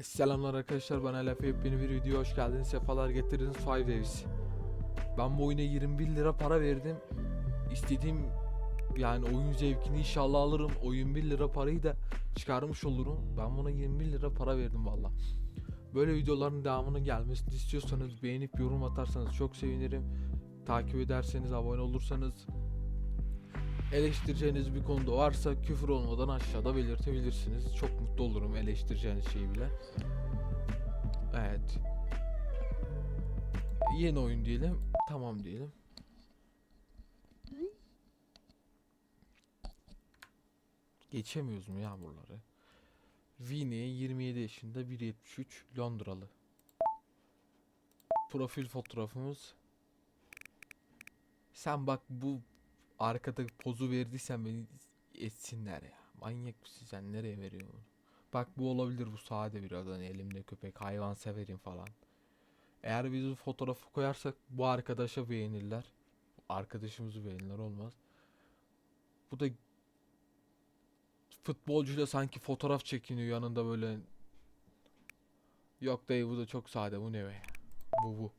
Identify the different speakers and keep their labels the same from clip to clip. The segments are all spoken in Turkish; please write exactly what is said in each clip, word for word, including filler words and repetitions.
Speaker 1: Selamlar arkadaşlar, ben Alef. Yepyeni bir video hoş geldiniz, sefalar getirdiniz. Five Days. Ben bu oyuna yirmi bir lira para verdim. İstediğim yani oyun zevkini inşallah alırım. O yirmi bir lira parayı da çıkarmış olurum. Ben buna yirmi bir lira para verdim valla. Böyle videoların devamının gelmesini istiyorsanız beğenip yorum atarsanız çok sevinirim. Takip ederseniz, abone olursanız, eleştireceğiniz bir konuda varsa küfür olmadan aşağıda belirtebilirsiniz. Çok mutlu olurum eleştireceğiniz şeyi bile. Evet. Yeni oyun diyelim. Tamam diyelim. Geçemiyoruz mu ya buraları? Vinny yirmi yedi yaşında, bir yetmiş üç, Londralı. Profil fotoğrafımız. Sen bak, bu arkada pozu verdiysen beni etsinler ya. Manyak mısın sen, nereye veriyorsun? Bak bu olabilir, bu sade biraz, hani elimde köpek, hayvan severim falan. Eğer biz bu fotoğrafı koyarsak bu arkadaşa beğenirler. Arkadaşımızı beğenirler, olmaz. Bu da futbolcuyla sanki fotoğraf çekiniyor yanında böyle. Yok dayı, bu da çok sade, bu ne be? Bu bu.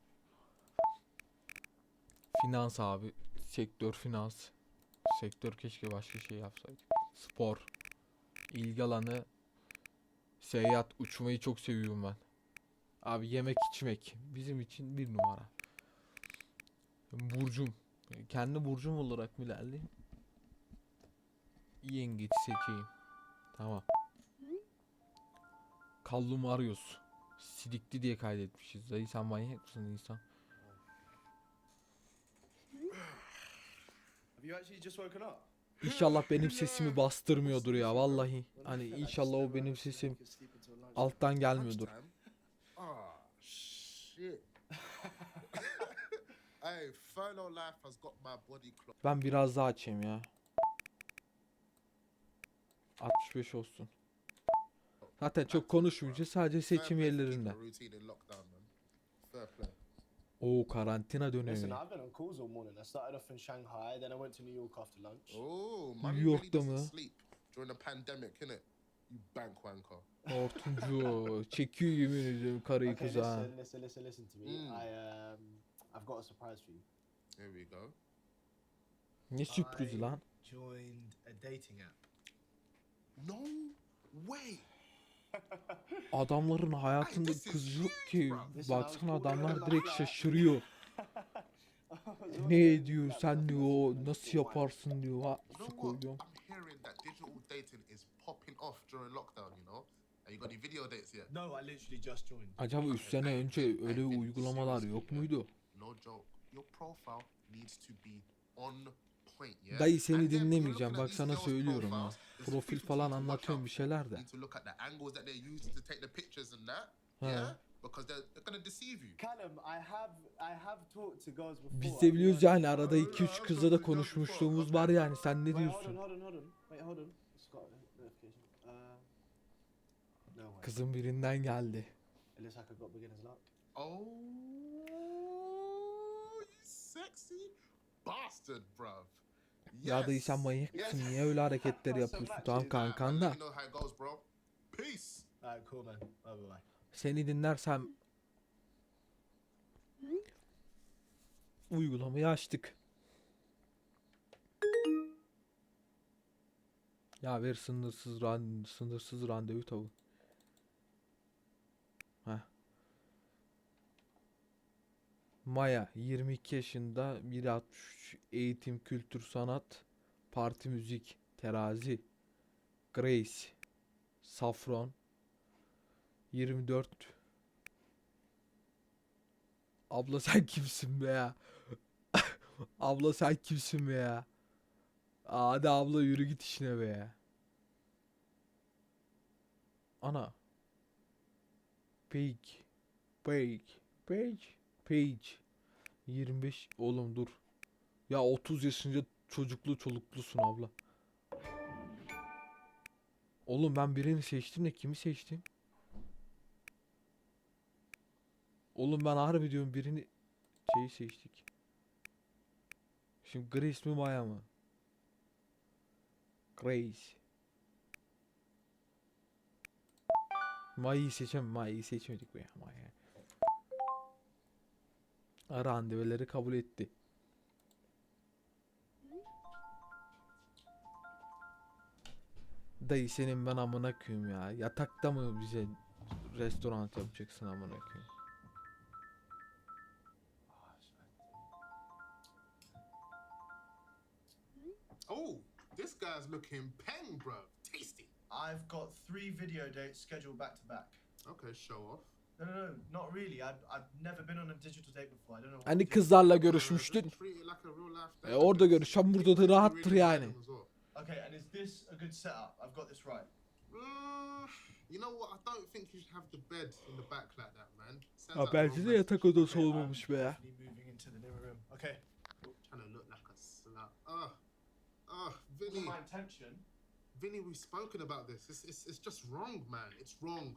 Speaker 1: Finans abi. Sektör finans. Sektör keşke başka şey yapsaydık. Spor. İlgi alanı. Seyahat, uçmayı çok seviyorum ben. Abi yemek içmek. Bizim için bir numara. Burcum. Kendi burcum olarak mı ilerleyeyim? Yengeç seçeyim. Tamam. Kallum arıyoruz. Sidikli diye kaydetmişiz. Dayı sen manyak mısın insan?
Speaker 2: Have you actually just woken up?
Speaker 1: İnşallah benim sesimi bastırmıyordur ya vallahi. Hani inşallah o benim sesim alttan gelmiyordur.
Speaker 3: Ah, shit. Hey, furlough life has got my body clock.
Speaker 1: Ben biraz daha açayım ya. altmış beş olsun. Zaten çok konuşmayacağız, sadece seçim yerlerinde. Oo, karantina
Speaker 2: Listen,
Speaker 1: dönemi.
Speaker 2: I've been on calls all morning. I started off in Shanghai, then I went to New York after lunch.
Speaker 3: Oh,
Speaker 1: New
Speaker 3: man,
Speaker 1: York'ta
Speaker 3: really
Speaker 1: mı?
Speaker 3: doesn't sleep during the pandemic, innit? You bank wanker.
Speaker 1: Hortumcu çekiyor yemin ediyorum karıyı
Speaker 2: Okay,
Speaker 1: kıza.
Speaker 2: listen, listen, listen, listen to me.
Speaker 3: Mm.
Speaker 2: I um, I've got a surprise for you.
Speaker 3: Here we go.
Speaker 1: Ne sürprizi lan?
Speaker 2: Joined a dating app.
Speaker 3: No way.
Speaker 1: Adamların hayatında
Speaker 3: Ay, this is
Speaker 1: kız yok
Speaker 3: huge,
Speaker 1: ki.
Speaker 3: bro.
Speaker 1: Baksana adamlar direkt şaşırıyor. Ne diyor sen diyor, nasıl yaparsın diyor. Ha,
Speaker 3: You
Speaker 1: su
Speaker 3: know what?
Speaker 1: koyuyorum.
Speaker 3: I'm hearing that digital dating is popping off during lockdown, you know? Have you got any video dates yet?
Speaker 2: No, I literally just joined.
Speaker 1: Acaba üç sene önce öyle uygulamalar yok muydu?
Speaker 3: No joke. Your profile needs to be on point, yeah?
Speaker 1: Dayı seni
Speaker 3: And then when you're
Speaker 1: dinlemeyeceğim,
Speaker 3: looking at
Speaker 1: bak
Speaker 3: these
Speaker 1: sana
Speaker 3: girls'
Speaker 1: söylüyorum ha.
Speaker 3: profiles, there's
Speaker 1: Profil
Speaker 3: fifty
Speaker 1: falan
Speaker 3: things to watch
Speaker 1: anlatıyorum
Speaker 3: out
Speaker 1: bir
Speaker 3: for.
Speaker 1: şeyler
Speaker 3: You
Speaker 1: de.
Speaker 3: need to look at the angles that they're using to take the pictures and that,
Speaker 1: Ha.
Speaker 3: yeah? Because they're, they're gonna deceive you.
Speaker 2: Callum, I have I have talked to girls before.
Speaker 1: Biz de biliyoruz
Speaker 2: I've
Speaker 1: yani, arada iki üç kızla da konuşmuşluğumuz var yani, sen ne
Speaker 2: Wait, hold on,
Speaker 1: diyorsun?
Speaker 2: hold on, hold on. Wait, hold on. It's got a notification. Uh, no way.
Speaker 1: Kızın birinden geldi.
Speaker 2: It looks like I got beginner's luck.
Speaker 3: Oh, you sexy bastard, bruv.
Speaker 1: Ya dayı sen manyak mısın? Niye öyle hareketler yapıyorsun? Tamam kankan da.
Speaker 3: Let me know how it goes, bro. Peace.
Speaker 2: Alright, cool man. Bye bye bye.
Speaker 1: Seni dinlersem uygulamayı açtık. Ya ver sınırsız ran sınırsız randevu tavu. Heh. Maya yirmi iki yaşında, bir altmış üç, eğitim, kültür, sanat, parti, müzik, terazi. Grace Safron yirmi dört. Abla sen kimsin be ya? Abla sen kimsin be ya? Aa, hadi abla yürü git işine be ya. Ana. Page. Page. Page. Page. yirmi beş. Oğlum dur. Ya otuz yaşında çocuklu çoluklusun abla. Oğlum ben birini seçtim de kimi seçtim? Oğlum ben harbi diyorum, birini şeyi seçtik. Şimdi Grace mi Maya mı? Grace. Mayı'yı seçem Mayı'yı seçmedik be. Maya. Randevuları kabul etti. Dayı senin ben amına koyayım ya. Yatakta mı bize restoran yapacaksın amına koyayım?
Speaker 3: Oh, this guy's looking peng, bro. Tasty.
Speaker 2: I've got three video dates scheduled back to back.
Speaker 3: Okay, show off.
Speaker 2: No, no, no, not really. I've, I've never been on a digital date before. I don't know. what
Speaker 1: Hani
Speaker 2: digital-
Speaker 1: kızlarla
Speaker 3: Uh,
Speaker 1: görüşmüştün.
Speaker 3: just treat it like a real life
Speaker 1: E
Speaker 3: date.
Speaker 1: orada görüş. Hem burada da
Speaker 3: Really,
Speaker 1: rahattır
Speaker 3: really
Speaker 1: yani.
Speaker 3: random as well.
Speaker 2: Okay, and is this a good setup? I've got this right.
Speaker 3: Mm, you know what? I don't think you should have the bed in the back like that, man. Sounds
Speaker 1: Ha
Speaker 3: like
Speaker 1: bence de
Speaker 3: romance.
Speaker 1: yatak odası
Speaker 2: Okay,
Speaker 1: olmamış
Speaker 2: I'm
Speaker 1: be.
Speaker 2: definitely moving into the living room. Okay.
Speaker 3: Trying to look like a slut. Ugh. Ugh,
Speaker 2: Wasn't
Speaker 3: Vinny.
Speaker 2: my intention.
Speaker 3: Vinny, we've spoken about this. It's, it's, it's just wrong, man. It's wrong.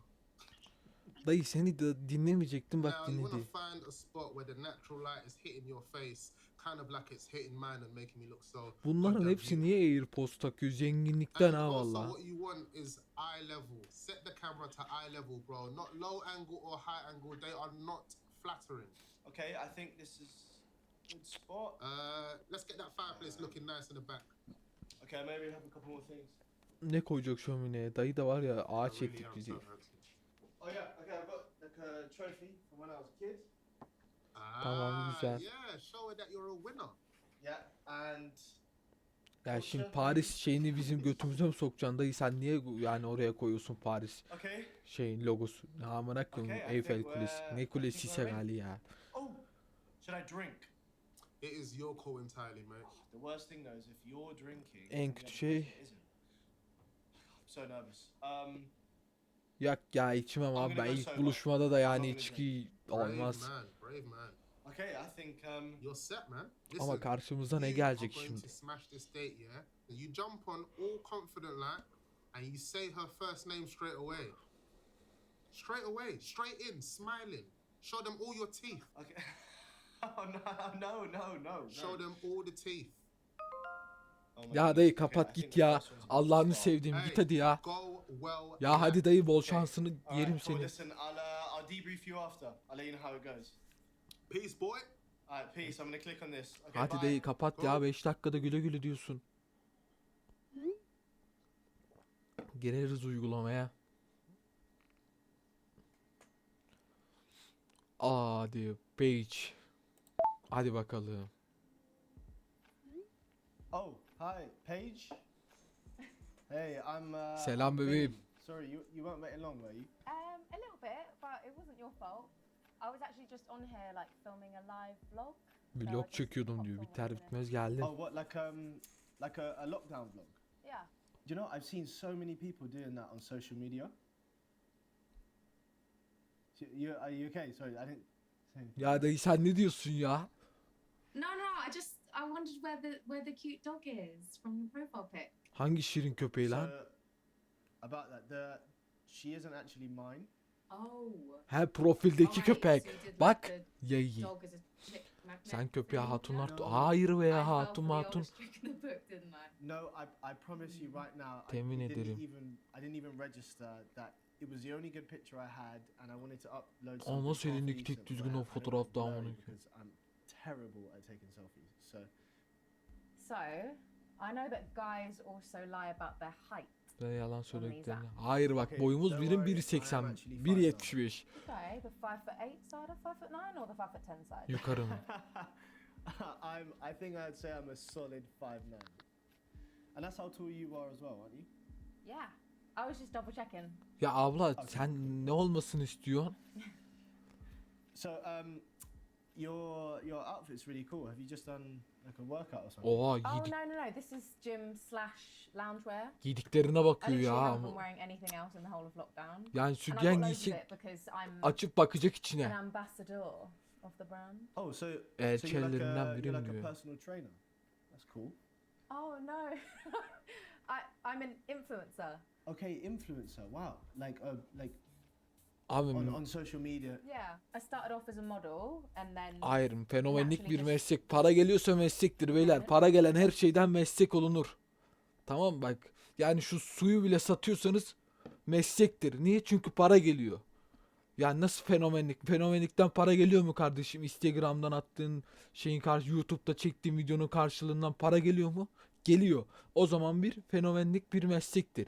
Speaker 1: Dayı seni de dinlemeyecektim bak
Speaker 3: Now, you want
Speaker 1: dinledi.
Speaker 3: to find a spot where the natural light is hitting your face, kind of like it's hitting mine and making me look so.
Speaker 1: Bunların
Speaker 3: goddamn
Speaker 1: hepsi
Speaker 3: beautiful.
Speaker 1: niye AirPods takıyor? Zenginlikten
Speaker 3: And
Speaker 1: ha
Speaker 3: also,
Speaker 1: valla.
Speaker 3: what you want is eye level. Set the camera to eye level, bro. Not low angle or high angle. They are not flattering.
Speaker 2: Okay, I think this is good spot.
Speaker 3: Uh, let's get that fireplace looking nice in the back.
Speaker 2: Okay, maybe have a couple more things.
Speaker 1: Ne koyacak şömineye? Dayı da var ya
Speaker 3: I
Speaker 1: ağaç
Speaker 3: really
Speaker 1: ettik
Speaker 3: am
Speaker 1: bizi.
Speaker 3: so hurting.
Speaker 2: Oh yeah, okay, I've got like a trophy from when I was a kid.
Speaker 1: Tamam,
Speaker 3: Ah,
Speaker 1: güzel.
Speaker 3: yeah, show her that you're a winner.
Speaker 2: Yeah, and
Speaker 1: Ya şimdi Paris şeyini bizim götümüze mi sokacaksın dayı? Sen niye yani oraya koyuyorsun Paris
Speaker 2: okay.
Speaker 1: şeyin logosu? Ne amına koyayım
Speaker 2: Okay, I
Speaker 1: Eyfel
Speaker 2: think
Speaker 1: Kulesi.
Speaker 2: we're-
Speaker 1: Ne
Speaker 2: I
Speaker 1: kulesi
Speaker 2: think we're
Speaker 1: gali ya.
Speaker 2: Oh, should I drink?
Speaker 3: It is your call entirely, mate.
Speaker 2: The worst thing though is if you're drinking.
Speaker 1: En
Speaker 2: and the
Speaker 1: kötü
Speaker 2: other
Speaker 1: şey-
Speaker 2: person isn't. I'm so nervous. Um,
Speaker 1: Yak ya içmem abi ben
Speaker 2: gonna go
Speaker 1: ilk
Speaker 2: sober.
Speaker 1: buluşmada da yani
Speaker 2: I'm gonna
Speaker 1: içki
Speaker 3: Brave
Speaker 1: olmaz.
Speaker 3: man, brave man.
Speaker 2: okay, I think um.
Speaker 3: You're set, man.
Speaker 1: Ama
Speaker 3: Listen,
Speaker 1: karşımıza ne
Speaker 3: you
Speaker 1: gelecek
Speaker 3: are going
Speaker 1: şimdi?
Speaker 3: to smash this date, yeah? You jump on all confident like, and you say her first name straight away. Straight away, straight in, smiling. Show them all your teeth.
Speaker 2: Okay. Oh no, no, no, no.
Speaker 3: Show
Speaker 2: no.
Speaker 3: them all the teeth.
Speaker 2: Oh my
Speaker 1: Ya
Speaker 2: goodness,
Speaker 1: dayı
Speaker 2: okay, I
Speaker 1: kapat
Speaker 2: think
Speaker 1: git
Speaker 2: the
Speaker 1: ya.
Speaker 2: first one's a good
Speaker 1: Allah'ını
Speaker 2: start.
Speaker 1: sevdiğim
Speaker 3: Hey,
Speaker 1: git hadi ya.
Speaker 3: Go well.
Speaker 1: Ya hadi dayı bol
Speaker 2: Okay.
Speaker 1: şansını
Speaker 2: All
Speaker 1: yerim
Speaker 2: right, cool.
Speaker 1: seni.
Speaker 2: Listen, I'll uh, I'll debrief you after. I'll let you know how it goes.
Speaker 3: Peace, boy.
Speaker 2: Alright, peace. I'm gonna click on this. Okay,
Speaker 1: Hadi
Speaker 2: bye.
Speaker 1: dayı kapat
Speaker 3: Go.
Speaker 1: ya beş dakikada güle güle diyorsun. Gireriz uygulamaya. Hadi page. Hadi bakalım.
Speaker 2: Oh, hi, Paige. Hey, I'm. Uh,
Speaker 1: Selam
Speaker 2: I'm
Speaker 1: bebeğim.
Speaker 2: Vinny. Sorry, you you weren't waiting long, were you?
Speaker 4: Um, a little bit, but it wasn't your fault. I was actually just on here like filming a live vlog.
Speaker 1: Vlog çekiyordum diyor. Biter bitmez geldim.
Speaker 2: Oh, what like um like a, a lockdown vlog?
Speaker 4: Yeah.
Speaker 2: Do you know I've seen so many people doing that on social media. So You are you okay? Sorry, I didn't. Say anything.
Speaker 1: Ya dayı sen ne diyorsun ya?
Speaker 5: No, no, I just I wondered where the where the cute dog is from your profile pic.
Speaker 1: Hangi şirin köpeği lan?
Speaker 2: So, about that, the she isn't actually mine.
Speaker 5: Oh.
Speaker 1: He profildeki
Speaker 5: Alright,
Speaker 1: köpek.
Speaker 5: so you did like
Speaker 1: Bak.
Speaker 5: the
Speaker 1: Yayı.
Speaker 5: dog as a chick magnet
Speaker 1: Sen köpeğe
Speaker 5: thing?
Speaker 1: hatunlar...
Speaker 2: No.
Speaker 1: tu- Hayır be
Speaker 5: I
Speaker 1: ya
Speaker 5: fell
Speaker 1: hatun
Speaker 5: for the
Speaker 1: hatun.
Speaker 5: oldest trick in the book, didn't I?
Speaker 2: No, I I promise you right now. I
Speaker 1: Temin
Speaker 2: didn't
Speaker 1: ederim.
Speaker 2: even I didn't even register that it was the only good picture I had, and I wanted to upload.
Speaker 1: Aa,
Speaker 2: something
Speaker 1: nasıl
Speaker 2: half
Speaker 1: elindeki tek
Speaker 2: decent,
Speaker 1: düzgün
Speaker 2: but I-
Speaker 1: o
Speaker 2: I don't
Speaker 1: fotoğraf
Speaker 2: get
Speaker 1: daha
Speaker 2: blurry
Speaker 1: amına
Speaker 2: because I'm terrible at taking selfies. So
Speaker 4: So, I know that guys also lie about their height.
Speaker 1: Ben yalan söylediklerini. Hayır bak
Speaker 2: Okay,
Speaker 1: boyumuz
Speaker 2: don't
Speaker 1: birim
Speaker 2: worry, I am
Speaker 1: bir seksen,
Speaker 2: actually
Speaker 1: bir
Speaker 2: five
Speaker 1: yetmiş beş.
Speaker 4: Okay, the five foot eight side of five foot nine or the five foot ten side?
Speaker 1: Yukarı mı?
Speaker 2: I'm. I think I'd say I'm a solid five nine, and that's how tall you are as well, aren't you?
Speaker 4: Yeah. I was just double checking.
Speaker 1: Ya abla sen ne olmasını istiyorsun?
Speaker 2: So um, your your outfit's really cool. Have you just done like a workout or something?
Speaker 1: Oha
Speaker 4: Oh
Speaker 1: yedik,
Speaker 4: no no no! This is gym slash loungewear.
Speaker 1: yediklerine
Speaker 4: I
Speaker 1: bakıyor
Speaker 4: literally
Speaker 1: ya.
Speaker 4: haven't been wearing anything else in the whole of lockdown.
Speaker 1: Yani
Speaker 4: And I've got
Speaker 1: sütyen
Speaker 4: loads of
Speaker 1: giysin
Speaker 4: it because I'm
Speaker 1: açıp bakacak
Speaker 4: an
Speaker 1: içine.
Speaker 4: ambassador of the brand.
Speaker 2: Oh, so so you're like
Speaker 1: Elçilerinden
Speaker 2: a,
Speaker 1: biri
Speaker 2: you're
Speaker 1: mi
Speaker 2: like a
Speaker 1: diyor?
Speaker 2: personal trainer. That's cool.
Speaker 4: Oh no, I I'm an influencer.
Speaker 2: Okay, influencer. Wow, like uh, like
Speaker 1: Abi
Speaker 2: on, on social media.
Speaker 4: Yeah, I started off as a model and then
Speaker 1: hayır fenomenlik bir
Speaker 4: Naturally
Speaker 1: meslek. Para geliyorsa meslektir beyler. Para gelen her şeyden meslek olunur. Tamam bak. Yani şu suyu bile satıyorsanız meslektir. Niye? Çünkü para geliyor. Yani nasıl fenomenlik? Fenomenlikten para geliyor mu kardeşim? Instagram'dan attığın şeyin karşı, YouTube'da çektiğin videonun karşılığından para geliyor mu? Geliyor. O zaman bir fenomenlik bir meslektir.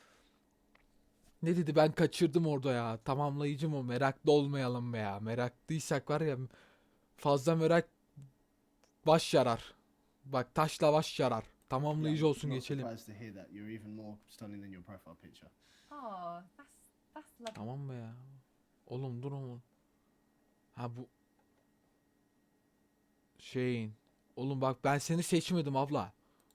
Speaker 1: Ne dedi, ben kaçırdım orada ya. Tamamlayıcı mı? Meraklı olmayalım be ya. Meraklıysak var ya, fazla merak baş yarar. Bak, taşla baş yarar. Tamamlayıcı
Speaker 2: Yeah,
Speaker 1: olsun,
Speaker 2: not
Speaker 1: geçelim.
Speaker 2: surprised to hear that. You're even more stunning than your profile picture.
Speaker 4: Oh, that's that's lovely.
Speaker 1: Tamam be ya. Oğlum dur oğlum. Ha bu şeyin. Oğlum bak, ben seni seçmedim abla.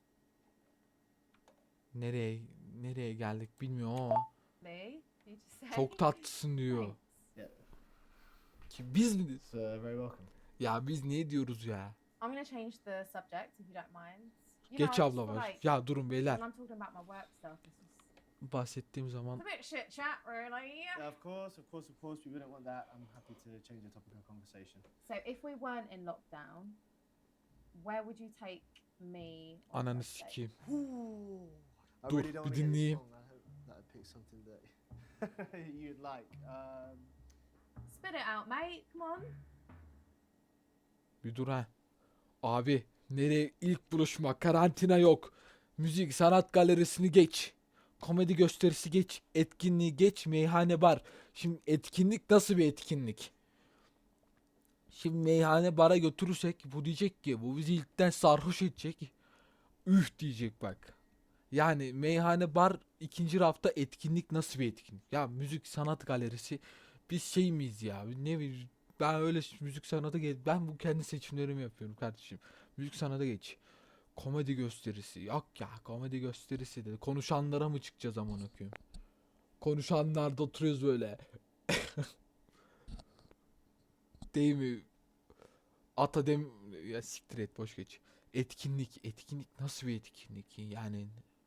Speaker 1: Nereye nereye geldik bilmiyorum ama
Speaker 4: Me? You just say.
Speaker 1: çok tatlısın diyor.
Speaker 4: Thanks.
Speaker 2: Yeah.
Speaker 1: Ki biz mi?
Speaker 2: It's uh, very welcome.
Speaker 1: Ya biz niye diyoruz ya?
Speaker 4: I'm gonna change the subject if you don't mind. You know, I
Speaker 1: Geç
Speaker 4: just
Speaker 1: abla
Speaker 4: feel
Speaker 1: var.
Speaker 4: like
Speaker 1: Ya durun beyler.
Speaker 4: when I'm talking about my work stuff, it's just
Speaker 1: Bahsettiğim zaman
Speaker 4: it's a bit shit chat, really.
Speaker 2: Yeah, of course, of course, of course. We wouldn't want that. I'm happy to change the topic of conversation.
Speaker 4: So if we weren't in lockdown, where would you take me? on
Speaker 1: ananı
Speaker 4: first date?
Speaker 1: sikeyim.
Speaker 2: I
Speaker 1: Dur,
Speaker 2: really
Speaker 1: bir
Speaker 2: don't wanna get this
Speaker 1: dinleyeyim.
Speaker 2: wrong. I hope that I pick something that you'd like. Um,
Speaker 4: Spit it out, mate. Come on.
Speaker 1: Bir dur ha. Abi nereye ilk buluşma, karantina yok. Müzik sanat galerisini geç. Komedi gösterisi geç. Etkinliği geç. Meyhane bar. Şimdi etkinlik nasıl bir etkinlik? Şimdi meyhane bara götürürsek bu diyecek ki bu bizi ilkten sarhoş edecek. Üf diyecek bak. Yani meyhane bar ikinci rafta etkinlik nasıl bir etkinlik? Ya müzik sanat galerisi biz şey miyiz ya? Ne bir ben öyle ş- müzik sanatı geç. Ben bu kendi seçimlerimi yapıyorum kardeşim. Müzik sanata geç. Komedi gösterisi. Yok ya, komedi gösterisi de. Konuşanlara mı çıkacağız aman okuyayım? Konuşanlarda oturuyoruz böyle. Değil mi? Ata dem ya siktir et, boş geç. Etkinlik, etkinlik nasıl bir etkinlik yani?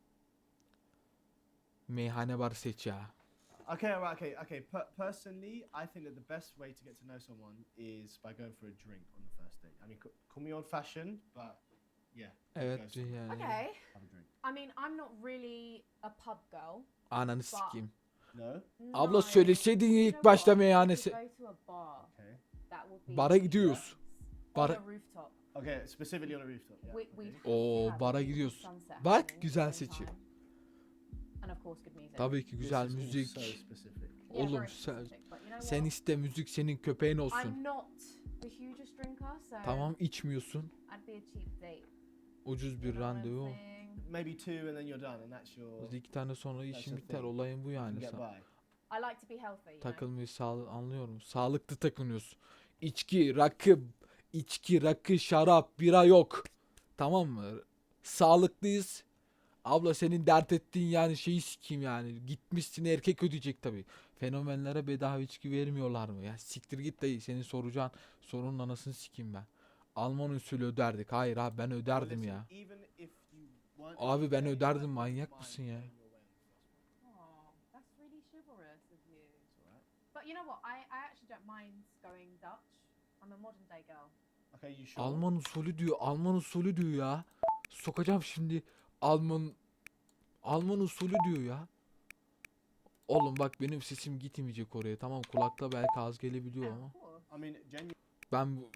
Speaker 1: Meyhane bar seç ya.
Speaker 2: okay, alright, okay, okay. Per- personally, I think that the best way to get to know someone is by going for a drink on the first date. I mean, c- call me old-fashioned, but yeah, go
Speaker 1: Evet
Speaker 2: somewhere,
Speaker 1: yani.
Speaker 4: Okay.
Speaker 2: have a drink.
Speaker 4: I mean, I'm not really a pub girl.
Speaker 1: Ananı sikeyim.
Speaker 2: No,
Speaker 1: Abla
Speaker 4: No.
Speaker 1: söyleseydin ya
Speaker 4: You
Speaker 1: ilk
Speaker 4: know
Speaker 1: başta
Speaker 4: what? We
Speaker 1: meyhanesi.
Speaker 4: could go to a bar.
Speaker 2: okay,
Speaker 4: That would be
Speaker 1: Bara gidiyoruz.
Speaker 4: on
Speaker 1: Bara
Speaker 4: a rooftop.
Speaker 2: okay. Specifically on a rooftop. Yeah.
Speaker 4: We,
Speaker 2: okay.
Speaker 4: we'd
Speaker 1: Oo,
Speaker 4: have
Speaker 1: bara
Speaker 4: a
Speaker 1: gidiyoruz.
Speaker 4: sunset
Speaker 1: Bak,
Speaker 4: happening at
Speaker 1: güzel
Speaker 4: the same
Speaker 1: seçim.
Speaker 4: time. And of course good music.
Speaker 1: Tabii ki
Speaker 2: This
Speaker 1: güzel
Speaker 2: is all
Speaker 1: müzik.
Speaker 2: So specific.
Speaker 4: Yeah,
Speaker 1: Oğlum
Speaker 4: very
Speaker 1: sen,
Speaker 4: specific, but you know
Speaker 1: sen
Speaker 4: what?
Speaker 1: iste, müzik senin köpeğin olsun.
Speaker 4: I'm not the hugest drinker, so
Speaker 1: Tamam, içmiyorsun.
Speaker 4: I'd be a cheap date.
Speaker 1: Ucuz
Speaker 4: You
Speaker 1: bir
Speaker 4: know what I'm
Speaker 1: randevu.
Speaker 4: saying?
Speaker 2: Maybe two, and then you're done, and that's your.
Speaker 1: İki tane sonra
Speaker 2: That's
Speaker 1: işin
Speaker 2: the
Speaker 1: biter.
Speaker 2: thing.
Speaker 1: Olayın bu
Speaker 2: You can
Speaker 1: yani.
Speaker 2: get
Speaker 1: Sa-
Speaker 2: by.
Speaker 4: I like to be healthy, you know?
Speaker 1: takılmayı sağlı anlıyorum. Sağlıklı takınıyorsun. İçki, rakı, içki, rakı, şarap, bira yok. Tamam mı? Sağlıklıyız. Abla senin dert ettiğin yani şeyi sikeyim yani. Gitmişsin, erkek ödeyecek tabii. Fenomenlere bedava içki vermiyorlar mı? Ya siktir git dayı. Senin soracağın sorunun anasını sikeyim ben. Alman usulü öderdik. Hayır abi, ben öderdim
Speaker 2: Well,
Speaker 1: ya.
Speaker 2: listen, even if you weren't
Speaker 1: Abi ben
Speaker 2: okay, I
Speaker 1: öderdim,
Speaker 2: wouldn't
Speaker 1: manyak
Speaker 2: mind
Speaker 1: mısın ya?
Speaker 2: paying your way on the first one.
Speaker 4: Oh, that's really chivalrous of you.
Speaker 2: It's alright.
Speaker 4: But you know what? I, I actually don't mind going Dutch. I'm a modern day girl.
Speaker 2: Okay, you sure?
Speaker 1: Alman usulü diyor. Alman usulü diyor ya. Sokacağım şimdi Alman Alman usulü diyor ya. Oğlum bak, benim sesim gitmeyecek oraya. Tamam, kulakta belki az gelebiliyor
Speaker 4: Yeah,
Speaker 1: ama
Speaker 4: of course.
Speaker 2: I mean, genuinely.
Speaker 1: ben bu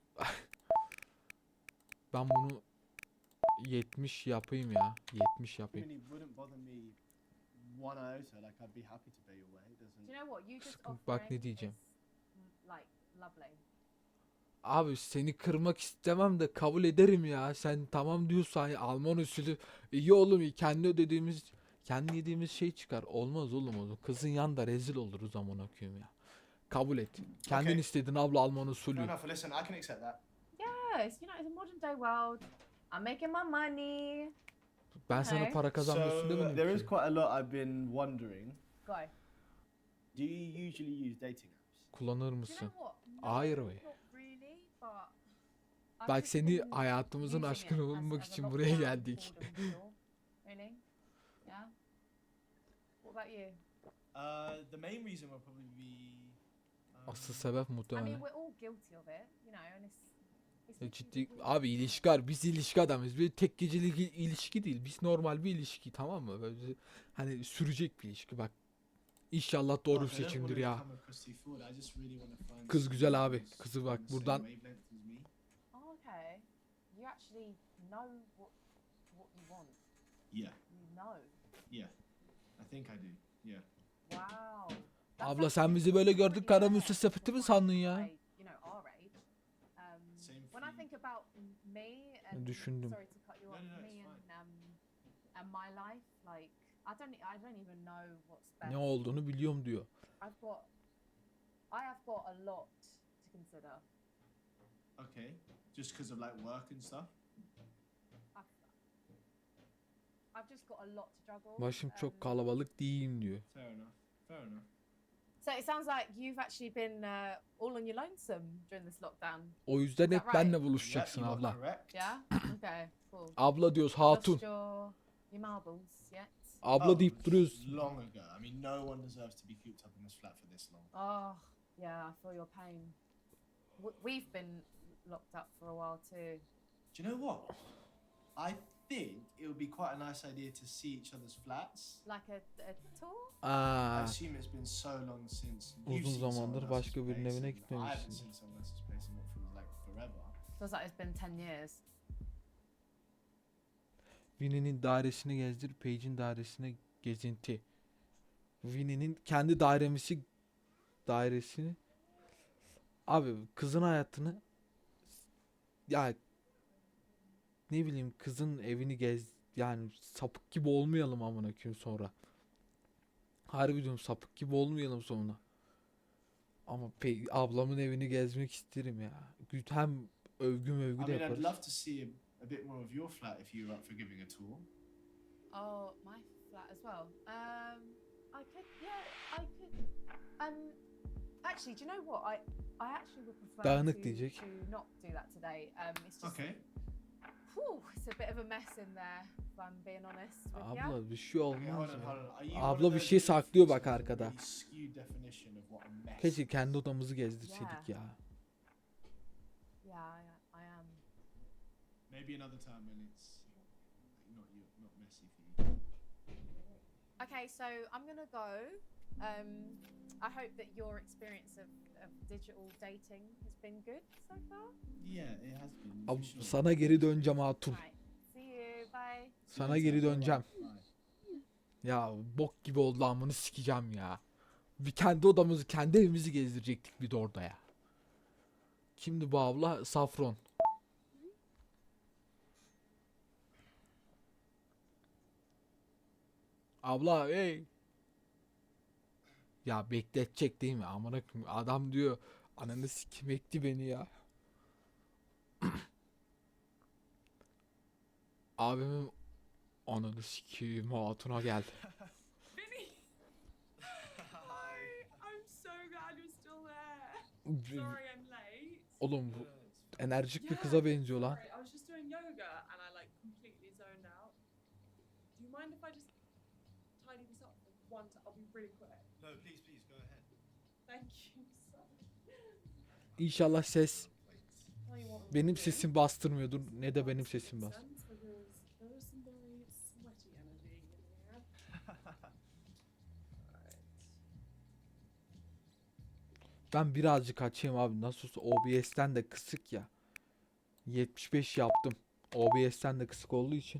Speaker 1: ben bunu yetmiş yapayım ya. yetmiş yapayım.
Speaker 2: wouldn't bother me one iota. Like I'd be happy to pay your way. It doesn't.
Speaker 4: Do you know what? You just
Speaker 1: Sıkıntı- bak ne
Speaker 4: offering
Speaker 1: diyeceğim.
Speaker 4: is, mm, like lovely.
Speaker 1: Abi seni kırmak istemem de kabul ederim ya. Sen tamam diyorsan ya, Alman usulü iyi oğlum, iyi. Kendi ödediğimiz, kendi yediğimiz şey çıkar. Olmaz oğlum onu. Kızın yanında rezil oluruz zaman okuyayım ya. Kabul et. Kendin
Speaker 2: Okay.
Speaker 1: istedin abla Alman
Speaker 2: Fair
Speaker 1: usulü.
Speaker 2: enough. Listen, I can accept that.
Speaker 4: Yes, you know, it's a modern day world. I'm making my money.
Speaker 1: Ben sana
Speaker 4: Okay.
Speaker 1: para kazanmıyorsun
Speaker 2: So
Speaker 1: demedim
Speaker 2: there is
Speaker 1: ki.
Speaker 2: quite a lot I've been wondering.
Speaker 4: Go.
Speaker 2: Do you usually use dating apps?
Speaker 1: Kullanır
Speaker 4: Do you
Speaker 1: mısın?
Speaker 4: know what? No,
Speaker 1: Hayır be.
Speaker 4: not really, but I've
Speaker 1: Bak
Speaker 4: just
Speaker 1: seni
Speaker 4: been
Speaker 1: hayatımızın
Speaker 4: using
Speaker 1: aşkını
Speaker 4: it as-
Speaker 1: bulmak
Speaker 4: as a
Speaker 1: için
Speaker 4: lockdown
Speaker 1: buraya geldik.
Speaker 4: boredom cure. Really? Yeah. What about you?
Speaker 2: Uh, the main reason will probably be. um,
Speaker 1: Asıl sebep
Speaker 4: I mean,
Speaker 1: muhtemelen.
Speaker 4: we're all guilty of it, you know, and it's. it's
Speaker 1: Ya
Speaker 4: literally
Speaker 1: ciddi
Speaker 4: we-
Speaker 1: abi, ilişki var. Biz ilişki adamız. Bir tek gecelik il- ilişki değil. Biz normal bir ilişki, tamam mı? Böyle hani sürecek bir ilişki. Bak İnşallah doğru bir
Speaker 2: Look, I don't
Speaker 1: seçimdir
Speaker 2: wanna
Speaker 1: ya.
Speaker 2: become a pussy fool, I just really wanna find
Speaker 1: Kız güzel
Speaker 2: someone
Speaker 1: abi.
Speaker 2: who's
Speaker 1: Kızı
Speaker 2: on
Speaker 1: bak
Speaker 2: the same
Speaker 1: buradan
Speaker 2: wavelength as me.
Speaker 4: Oh, okay. You actually know what what you want.
Speaker 2: Yeah,
Speaker 4: You know.
Speaker 2: yeah. I think I do. Yeah.
Speaker 4: Wow. That's
Speaker 1: Abla sen
Speaker 4: actually
Speaker 1: bizi böyle gördük
Speaker 4: pretty
Speaker 1: kara
Speaker 4: rare
Speaker 1: müsse
Speaker 4: to
Speaker 1: sepeti mi
Speaker 4: find
Speaker 1: sandın ya?
Speaker 4: my, you know, our age. Um,
Speaker 2: Same
Speaker 4: when
Speaker 2: for
Speaker 4: I
Speaker 2: you.
Speaker 4: think about me and
Speaker 1: Düşündüm.
Speaker 4: sorry to cut you
Speaker 2: No,
Speaker 4: off,
Speaker 2: no, no,
Speaker 4: me
Speaker 2: it's
Speaker 4: and um and my life, like I don't I don't even know what's best.
Speaker 1: Ne olduğunu biliyorum diyor.
Speaker 4: I've got I have got a lot to consider.
Speaker 2: Okay. Just because of like work and stuff.
Speaker 4: I've, I've just got a lot to juggle.
Speaker 1: Başım
Speaker 4: um,
Speaker 1: çok kalabalık değil diyor.
Speaker 2: Fair enough. Fair enough.
Speaker 4: So it sounds like you've actually been uh, all on your lonesome during this lockdown.
Speaker 1: O yüzden hep
Speaker 4: Is that
Speaker 1: benle
Speaker 4: right?
Speaker 1: buluşacaksın
Speaker 2: Yeah, you are
Speaker 1: abla.
Speaker 2: correct.
Speaker 4: Yeah. Okay. Cool.
Speaker 1: Abla diyoruz hatun.
Speaker 4: Lost your your marbles yet?
Speaker 1: Abla
Speaker 2: Oh,
Speaker 1: deyip duruyoruz.
Speaker 2: Long ago. I mean, no one deserves to be cooped up in this flat for this long.
Speaker 4: Oh, yeah. I feel your pain. W- we've been locked up for a while too.
Speaker 2: Do you know what? I think it would be quite a nice idea to see each other's flats.
Speaker 4: Like a, a tour?
Speaker 2: I
Speaker 1: Aa,
Speaker 2: assume it's been so long since you've
Speaker 1: uzun
Speaker 2: seen someone
Speaker 1: zamandır
Speaker 2: else's
Speaker 1: başka birinin
Speaker 2: place
Speaker 1: evine
Speaker 2: and I haven't
Speaker 1: gitmemişsin.
Speaker 2: seen someone else's place in what feels like forever.
Speaker 4: Feels like it's been ten years.
Speaker 1: Winnie'nin dairesini gezdir, Paige'in dairesine gezinti. Winnie'nin kendi dairemisi dairesini. Abi kızın hayatını ya ne bileyim kızın evini gez yani sapık gibi olmayalım amına koyayım sonra. Harbi diyorum sapık gibi olmayalım sonra. Ama Pe- ablamın evini gezmek isterim ya. Gü- Hem övgü mövgü
Speaker 2: I
Speaker 1: de
Speaker 2: mean, I'd
Speaker 1: yaparız.
Speaker 2: love to see a, a bit more of your flat if you were up for giving a tour.
Speaker 4: Oh, my flat as well. Um, I could, yeah, I could. Um, actually, do you know what? I, I actually would prefer
Speaker 1: Dağınık
Speaker 4: to,
Speaker 1: diyecek.
Speaker 4: to not do that today. Um, it's just,
Speaker 2: Okay.
Speaker 4: whew, it's a bit of a mess in there. If I'm being honest with you.
Speaker 1: Abla bir şey
Speaker 2: Okay, hold
Speaker 1: olmaz
Speaker 2: on,
Speaker 1: ya.
Speaker 2: hold on. Are you
Speaker 1: Abla
Speaker 2: one of
Speaker 1: bir
Speaker 2: those
Speaker 1: şey
Speaker 2: people
Speaker 1: saklıyor
Speaker 2: who
Speaker 1: bak
Speaker 2: has a
Speaker 1: arkada.
Speaker 2: really skewed definition of what a mess
Speaker 1: Keşke
Speaker 2: is?
Speaker 1: kendi odamızı gezdirseydik ya.
Speaker 4: Yeah, I, I am.
Speaker 2: Maybe another time when it's not you, not messy for you.
Speaker 4: Okay, so I'm gonna go. Um, I hope that your experience of, of digital dating has been good so far.
Speaker 2: Yeah, it has been. for
Speaker 1: Ab-
Speaker 2: sure.
Speaker 1: sana geri döneceğim hatun.
Speaker 4: Right. See you. Bye.
Speaker 1: Sana geri döneceğim. Ya bok gibi oldu amını sikeceğim ya. Bir kendi odamızı, kendi evimizi gezdirecektik bir de orada ya. Kimdi bu abla? Safron. Abla hey. Ya bekletecek değil mi? Amına koyayım. Adam diyor ananı sikim ekti beni ya. Abimin ananı sikeyim hatuna geldi.
Speaker 5: Vinny! Hi! I'm so glad you're still there. Sorry I'm late.
Speaker 1: Oğlum bu enerjik bir kıza benziyor lan.
Speaker 5: Sorry, I was just doing yoga and I like completely zoned out. Do you mind if I just tidy this up for one time? I'll be really quick.
Speaker 2: No, please, please go ahead.
Speaker 5: Thank you so much.
Speaker 1: İnşallah ses
Speaker 5: Tell you what I'm
Speaker 1: benim
Speaker 5: gonna do.
Speaker 1: sesim bastırmıyordur ne de benim sesim bas.
Speaker 5: Sense, because there is some very sweaty energy in here. Alright.
Speaker 1: Ben birazcık açayım abi. Nasıl olsa O B S'ten de kısık ya. yetmiş beş yaptım. O B S'ten de kısık olduğu için.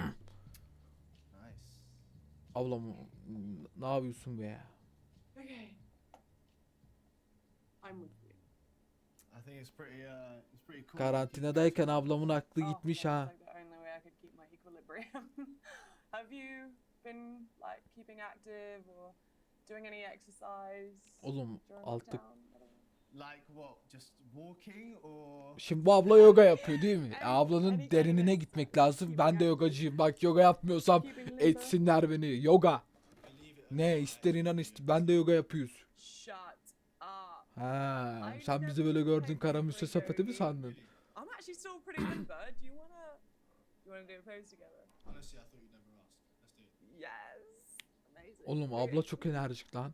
Speaker 2: Nice.
Speaker 1: Ablam ne yapıyorsun be ya?
Speaker 5: Okay. I'm with you.
Speaker 2: I think it's pretty, uh, it's pretty cool.
Speaker 1: Karantinadayken ablamın aklı
Speaker 6: Oh,
Speaker 1: gitmiş
Speaker 6: that's
Speaker 1: ha.
Speaker 6: like the only way I could keep my equilibrium. Have you been like keeping active or doing any exercise
Speaker 1: Oğlum
Speaker 6: during
Speaker 1: altı.
Speaker 6: lockdown? I don't know.
Speaker 2: Like what? Just walking or?
Speaker 1: Şimdi bu abla yoga yapıyor değil mi?
Speaker 6: Any-
Speaker 1: Ablanın
Speaker 6: any kind
Speaker 1: derinine
Speaker 6: of
Speaker 1: gitmek
Speaker 6: exercise,
Speaker 1: lazım.
Speaker 6: keeping
Speaker 1: Ben de
Speaker 6: active,
Speaker 1: yogacıyım. Bak yoga yapmıyorsam
Speaker 6: keeping limber.
Speaker 1: etsinler beni. Yoga.
Speaker 2: Believe it or
Speaker 1: Ne
Speaker 2: not,
Speaker 1: ister
Speaker 2: I
Speaker 1: inan
Speaker 2: do
Speaker 1: ister. Ben de yoga yapıyoruz.
Speaker 6: Shut up.
Speaker 1: Ha,
Speaker 6: I
Speaker 1: sen
Speaker 6: never
Speaker 1: bizi böyle gördün
Speaker 6: played
Speaker 1: kara
Speaker 6: regular
Speaker 1: müsse sepeti mi
Speaker 6: yoga.
Speaker 1: sandın?
Speaker 6: I'm actually still pretty limber. Do you wanna do you wanna do a pose together?
Speaker 2: Honestly, I thought you'd never ask. Let's do it.
Speaker 6: Yes. Amazing.
Speaker 1: Oğlum
Speaker 6: Really?
Speaker 1: abla çok enerjik lan.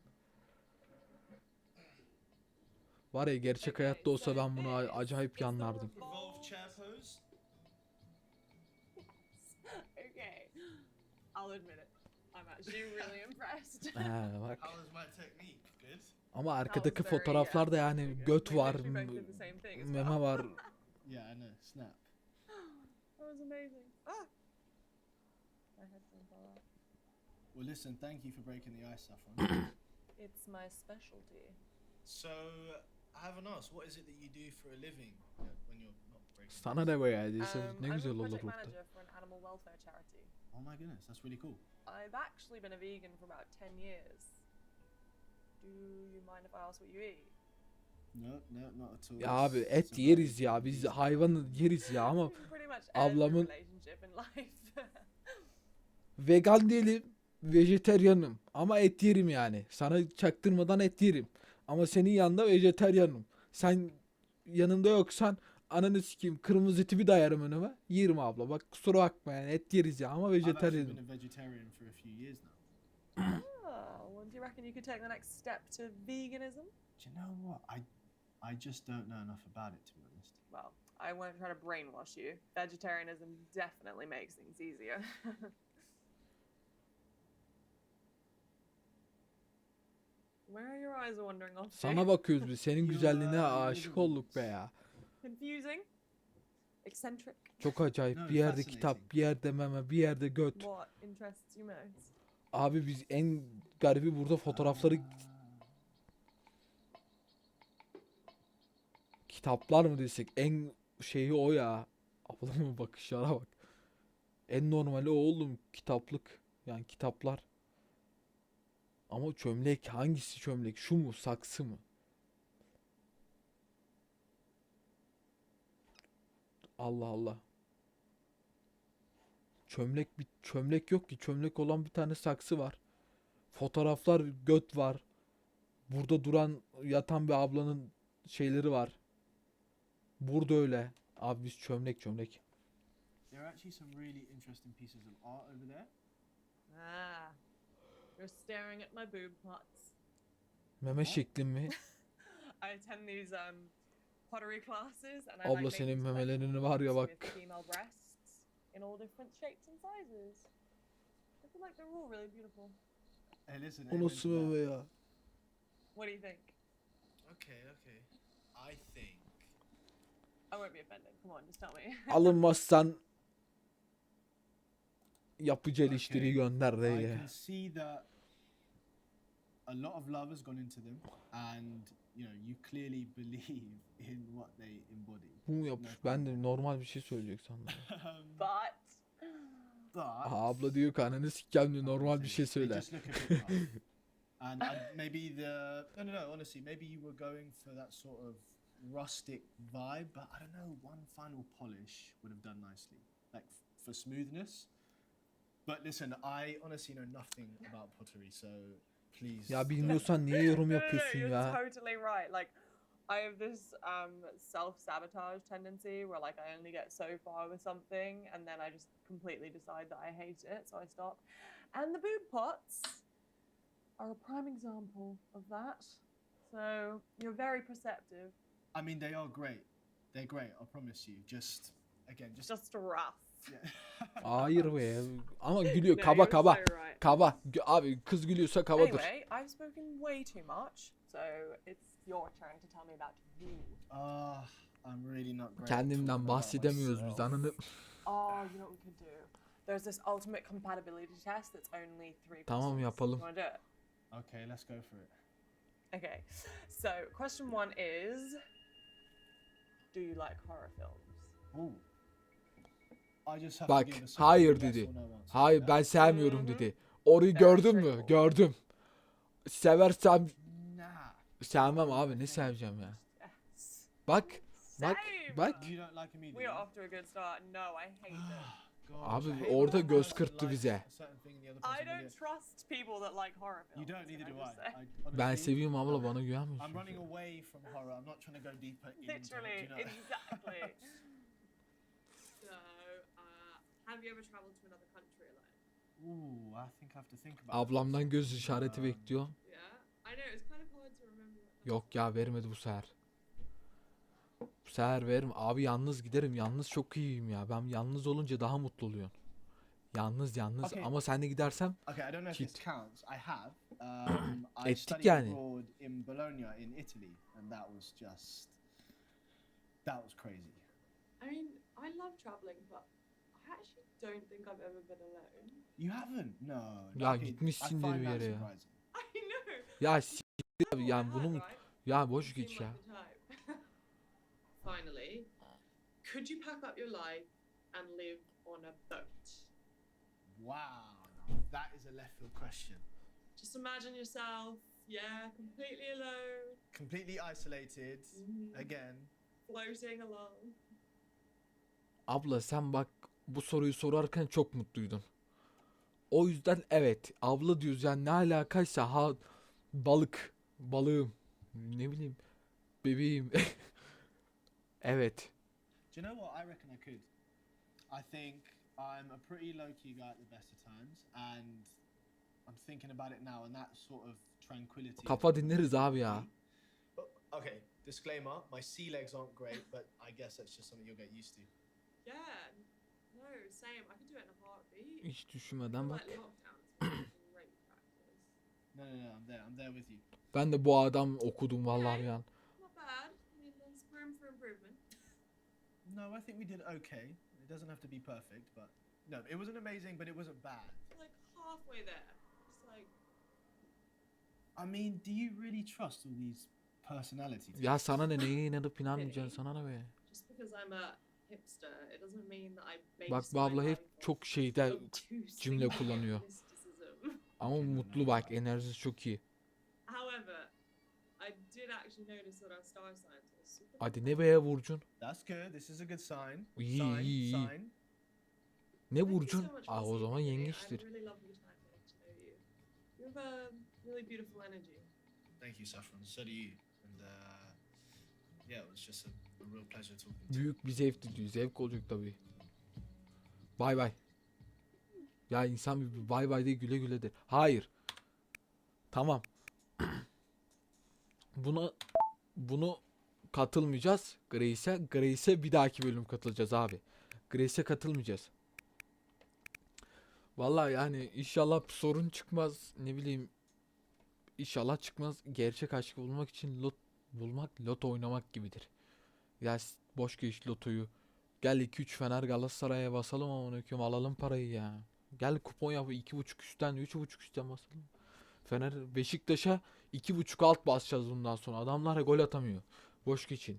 Speaker 1: Var ya gerçek
Speaker 6: Okay,
Speaker 1: hayatta olsa
Speaker 6: so
Speaker 1: ben bunu a-
Speaker 6: this
Speaker 1: acayip
Speaker 6: is the
Speaker 1: yanlardım.
Speaker 2: Revolve chair pose.
Speaker 6: Okay. I'll admit it. I'm actually really impressed.
Speaker 1: He bak.
Speaker 2: How was my technique? Good.
Speaker 1: Ama arkadaki
Speaker 6: very,
Speaker 1: fotoğraflar da yani
Speaker 6: very good.
Speaker 1: göt
Speaker 6: We
Speaker 1: var,
Speaker 6: literally both did the same thing as
Speaker 1: meme
Speaker 6: well.
Speaker 1: var.
Speaker 2: Yeah, I know. Snap.
Speaker 6: That was amazing. Ah! My headphone fell out.
Speaker 2: Well, listen. Thank you for breaking the ice, Saffron.
Speaker 6: It's my specialty.
Speaker 2: So, I haven't asked. What is it that you do for a living uh, when you're not breaking?
Speaker 1: Sana
Speaker 2: the ice?
Speaker 1: ne be ya diyse
Speaker 6: Um,
Speaker 1: ne
Speaker 6: I'm
Speaker 1: güzel
Speaker 6: a
Speaker 1: olur
Speaker 6: project
Speaker 1: burada.
Speaker 6: manager for an animal welfare charity.
Speaker 2: Oh my goodness, that's really cool.
Speaker 6: I've actually been a vegan for about ten years. Do you mind if I ask what you eat?
Speaker 2: No, no, not at all.
Speaker 1: Ya abi
Speaker 2: It's-
Speaker 1: et
Speaker 2: it's a
Speaker 1: yeriz
Speaker 2: very
Speaker 1: ya, biz
Speaker 2: easy-
Speaker 1: hayvan yeriz ya ama
Speaker 6: Pretty much
Speaker 1: ablamın-
Speaker 6: every relationship in life.
Speaker 1: vegan değilim, vejeteryanım ama et yerim yani. Sana çaktırmadan et yerim. Ama senin yanında vejeteryanım. Sen yanında yoksan ananı sikeyim, kırmızı eti bir dayarım önüme. Yerim abla, bak kusura bakma yani, et yeriz ya ama
Speaker 2: I've actually
Speaker 1: vejeteryanım.
Speaker 2: been a vegetarian for a few years now.
Speaker 6: Oh, well, do you reckon you could take the next step to veganism?
Speaker 2: Do you know what? I, I just don't know enough about it, to be honest.
Speaker 6: Well, I won't try to brainwash you. Vegetarianism definitely makes things easier. Where are your eyes wandering off to?
Speaker 1: Sana bakıyoruz biz, senin
Speaker 2: You,
Speaker 1: güzelliğine
Speaker 2: uh,
Speaker 1: aşık olduk be ya.
Speaker 6: Confusing? Eccentric?
Speaker 1: Çok acayip,
Speaker 2: No,
Speaker 1: bir yerde
Speaker 2: fascinating.
Speaker 1: kitap, bir yerde meme, bir yerde göt.
Speaker 6: What interests you most?
Speaker 1: Abi biz en garibi burada fotoğrafları, kitaplar mı desek, en şeyi o ya. Ablamın bakışlara bak. En normali o oğlum, kitaplık. Yani kitaplar. Ama çömlek, hangisi çömlek? Şu mu, saksı mı? Allah Allah. Çömlek bir çömlek yok ki. Çömlek olan bir tane saksı var. Fotoğraflar, göt var. Burada duran, yatan bir ablanın şeyleri var. Burada öyle. Abi biz çömlek çömlek.
Speaker 2: There are actually some really interesting pieces of art over there.
Speaker 6: Ah, you're staring at my boob pots.
Speaker 1: Meme şeklin mi?
Speaker 6: I attend these um pottery classes and I
Speaker 1: Abla
Speaker 6: like
Speaker 1: senin
Speaker 6: making
Speaker 1: memelerini var ya
Speaker 6: sculptures
Speaker 1: bak.
Speaker 6: with female breasts in all different shapes and sizes. I feel like they're all really beautiful.
Speaker 2: Hey, listen.
Speaker 1: O
Speaker 2: amen
Speaker 1: nasıl
Speaker 2: to that.
Speaker 1: meme ya?
Speaker 6: What do you think?
Speaker 2: Okay, okay. I think.
Speaker 6: I won't be offended. Come on, just tell me.
Speaker 1: Alınmazsan yapıcı
Speaker 2: Okay.
Speaker 1: eleştiri gönder
Speaker 2: I
Speaker 1: diye.
Speaker 2: can see that a lot of love has gone into them, and you know you clearly believe in what they embody.
Speaker 1: Bu mu yapmış? Ben de normal bir şey söyleyecek sandım.
Speaker 2: Um,
Speaker 6: But
Speaker 2: but
Speaker 1: Aha, abla diyor ki ananı sikeceğim diyor, normal bir şey
Speaker 2: They
Speaker 1: söyle.
Speaker 2: just look a bit rough. And I, maybe the no no no honestly maybe you were going for that sort of rustic vibe, but I don't know, one final polish would have done nicely, like f- for smoothness. But listen, I honestly know nothing about pottery, so please.
Speaker 1: Ya bilmiyorsan niye yorum
Speaker 6: No, no, no,
Speaker 1: yapıyorsun
Speaker 6: you're
Speaker 1: ya?
Speaker 6: totally right. Like, I have this um, self-sabotage tendency where like I only get so far with something and then I just completely decide that I hate it, so I stop. And the boob pots are a prime example of that. So you're very perceptive.
Speaker 2: I mean, they are great. They're great. I promise you. Just again, just,
Speaker 6: Just rough.
Speaker 2: yeah.
Speaker 1: Hayır be. Ama gülüyor,
Speaker 6: No,
Speaker 1: kaba
Speaker 6: you're
Speaker 1: kaba.
Speaker 6: so right.
Speaker 1: Kaba. Gö- Abi kız gülüyorsa kabadır.
Speaker 6: Anyway, I've spoken way too much, so it's your turn to tell me about you.
Speaker 2: Ah, I'm really not great. at
Speaker 1: Kendimden
Speaker 2: talking about
Speaker 1: bahsedemiyoruz biz,
Speaker 2: myself.
Speaker 1: ananı.
Speaker 6: Oh, you know what we could do? There's this ultimate compatibility test that's only three
Speaker 1: Tamam,
Speaker 6: questions.
Speaker 1: yapalım.
Speaker 6: You want to do it?
Speaker 2: Okay, let's go for it.
Speaker 6: Okay. So, question one is, do you like horror films?
Speaker 2: Ooh. I just have
Speaker 1: Bak,
Speaker 2: to give a simple
Speaker 1: hayır
Speaker 2: yes
Speaker 1: dedi.
Speaker 2: or no answer.
Speaker 1: Hayır
Speaker 2: Yeah?
Speaker 1: ben sevmiyorum
Speaker 6: Mhm.
Speaker 1: dedi. Orayı
Speaker 6: Very
Speaker 1: gördün mü?
Speaker 6: straightforward.
Speaker 1: Gördüm. Seversem
Speaker 2: Nah.
Speaker 1: sevmem abi, ne seveceğim ya.
Speaker 6: Yes.
Speaker 1: Bak bak
Speaker 6: Same.
Speaker 1: bak.
Speaker 2: You don't like me, do
Speaker 6: We are
Speaker 2: you?
Speaker 6: off to a good start. No, I hate it.
Speaker 2: Gosh,
Speaker 1: Abi
Speaker 2: I hate
Speaker 1: orada
Speaker 2: when one
Speaker 1: göz
Speaker 2: person
Speaker 1: kırptı
Speaker 2: likes
Speaker 1: bize.
Speaker 2: a certain thing and the other
Speaker 6: I
Speaker 2: person
Speaker 6: don't
Speaker 2: doesn't.
Speaker 6: trust people that like horror films.
Speaker 2: You don't, neither
Speaker 6: can
Speaker 2: do I.
Speaker 6: just say.
Speaker 2: I
Speaker 1: Ben
Speaker 2: honestly,
Speaker 1: seviyorum abla, bana
Speaker 2: I'm
Speaker 1: güvenmiyorsun.
Speaker 2: running away from horror. I'm not trying to go deeper into it.
Speaker 6: Literally,
Speaker 2: do you know?
Speaker 6: exactly.
Speaker 5: So, uh, have you ever traveled to another country alone?
Speaker 2: Ooh, I think I have to think about
Speaker 1: Ablamdan göz işareti
Speaker 2: Um,
Speaker 1: bekliyor.
Speaker 5: Yeah. I know it's kind of hard to remember. what that
Speaker 1: Yok ya, vermedi bu sefer. Bu sefer veririm. Abi yalnız giderim. Yalnız çok iyiyim ya. Ben yalnız olunca daha mutlu oluyorum. Yalnız yalnız
Speaker 2: Okay.
Speaker 1: ama sen de gidersem
Speaker 2: Okay, I don't know if this
Speaker 1: Cheat.
Speaker 2: counts. I have. Um, I
Speaker 1: Ettik
Speaker 2: studied
Speaker 1: yani.
Speaker 2: abroad in Bologna in Italy, and that was just that was crazy.
Speaker 5: I mean, I love traveling, but I actually don't think I've ever been alone.
Speaker 2: You haven't? No.
Speaker 1: Ya
Speaker 2: okay, I
Speaker 1: gitmişsindir
Speaker 2: find
Speaker 1: bir
Speaker 2: that
Speaker 1: yere ya.
Speaker 2: surprising.
Speaker 5: I know.
Speaker 1: Ya s**t abi,
Speaker 5: Oh, I
Speaker 1: yani
Speaker 5: had,
Speaker 1: bunun
Speaker 5: right?
Speaker 1: ya boş
Speaker 5: You
Speaker 1: geç
Speaker 5: seem
Speaker 1: ya.
Speaker 5: like the type. Finally, could you pack up your life and live on a boat?
Speaker 2: Wow, that is a left field question.
Speaker 5: Just imagine yourself, yeah, completely alone,
Speaker 2: Completely isolated.
Speaker 5: Mhm.
Speaker 2: Again.
Speaker 5: floating along.
Speaker 1: Abla sen bak bu soruyu sorarken çok mutluydun. O yüzden evet abla diyoruz yani ne alakaysa ha balık balığım ne bileyim bebeğim. Evet.
Speaker 2: Do you know what? I reckon I could. I think I'm a pretty low key guy at the best of times, and I'm thinking about it now, and that sort of tranquility. is
Speaker 1: Kafa
Speaker 2: what
Speaker 1: dinleriz abi ya.
Speaker 2: me. Oh, okay, disclaimer: my sea legs aren't great, but I guess that's just something you'll get used to.
Speaker 5: Yeah, no, same. I could do it in a heartbeat.
Speaker 1: Hiç
Speaker 5: I
Speaker 1: düşünmeden
Speaker 5: feel
Speaker 1: bak.
Speaker 5: like lockdown's been great practice.
Speaker 2: No, no, no, I'm there. I'm there with you.
Speaker 1: Ben de bu adam okudum vallahi bir an.
Speaker 5: Not bad. I mean, there's room for improvement.
Speaker 2: No, I think we did okay. It doesn't have to be perfect, but no, it wasn't amazing, but it wasn't bad.
Speaker 5: Like halfway there. Just like,
Speaker 2: I mean, do you really trust all these personality tests?
Speaker 1: Ya sana ne neye inanıp inanmayacaksın sana ne be.
Speaker 5: just because I'm a hipster, it doesn't mean that I base
Speaker 1: Bak bu
Speaker 5: my
Speaker 1: abla hep
Speaker 5: life off
Speaker 1: çok şeyde
Speaker 5: obtuse
Speaker 1: cümle
Speaker 5: things
Speaker 1: kullanıyor.
Speaker 5: like mysticism.
Speaker 1: ama
Speaker 2: Okay, no,
Speaker 1: mutlu
Speaker 2: no,
Speaker 1: bak
Speaker 2: no.
Speaker 1: enerjisi çok iyi.
Speaker 5: However, I did actually notice that our star signs are super.
Speaker 1: Hadi ne be Burcun?
Speaker 2: That's good. This is a good sign.
Speaker 1: İyi,
Speaker 2: sign,
Speaker 1: iyi, iyi.
Speaker 2: sign.
Speaker 1: Ne
Speaker 5: Thank you
Speaker 1: Burcun?
Speaker 5: so much for
Speaker 1: Aa o
Speaker 5: speaking
Speaker 1: zaman
Speaker 5: to me. I had a
Speaker 1: yengeçtir.
Speaker 5: really lovely time getting to know you. You have a really beautiful energy.
Speaker 2: Thank you, Saffron. So do you. And uh, yeah, it was just a, a real pleasure talking to you.
Speaker 1: Büyük bir zevkti diyor. Zevk olacak tabii. Bay bay. Ya insan bir bay bay de güle güle der. Hayır. Tamam. Buna bunu katılmayacağız. Grace'e. Grace'e bir dahaki bölüm katılacağız abi. Grace'e katılmayacağız. Vallahi yani inşallah bir sorun çıkmaz. Ne bileyim. İnşallah çıkmaz. Gerçek aşkı bulmak için lot bulmak loto oynamak gibidir. Ya s- boş geç lotoyu. Gel iki üç Fener Galatasaray'a basalım ama onu alalım parayı ya. Gel kupon yap iki buçuk üstten üç buçuk üstten basalım. Fener Beşiktaş'a iki buçuk alt basacağız bundan sonra. Adamlar gol atamıyor. Boş geçin.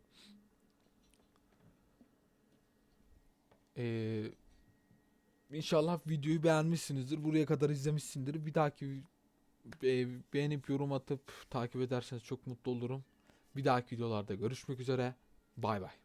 Speaker 1: Ee, İnşallah videoyu beğenmişsinizdir. Buraya kadar izlemişsindir. Bir dahaki e, beğenip yorum atıp takip ederseniz çok mutlu olurum. Bir dahaki videolarda görüşmek üzere. Bay bay.